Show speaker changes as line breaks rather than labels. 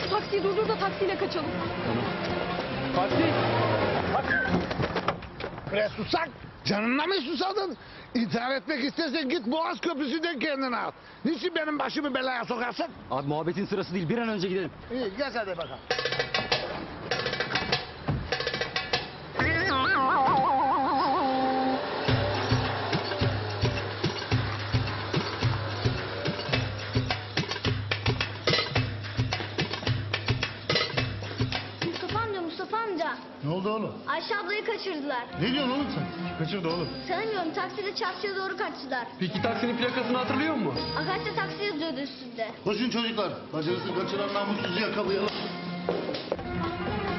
Şu taksiyi durdur da taksiyle kaçalım.
Taksi.
Bre susak. Canına mı susadın? İntihar etmek istersen git Boğaz Köprüsü'nden kendini al. Niçin benim başımı belaya sokarsın?
Abi muhabbetin sırası değil. Bir an önce gidelim.
İyi gel hadi bakalım.
Mustafa amca.
Ne oldu oğlum?
Ayşe ablayı kaçırdılar.
Ne diyorsun oğlum sen? Kaçırdı oğlum.
Tanımıyorum, takside çarşıya doğru kaçtılar.
Peki taksinin plakasını hatırlıyor musun?
Agaçta taksi yazıyordu üstünde.
Koşun çocuklar. Bacınızı kaçıran namussuzu yakalayalım.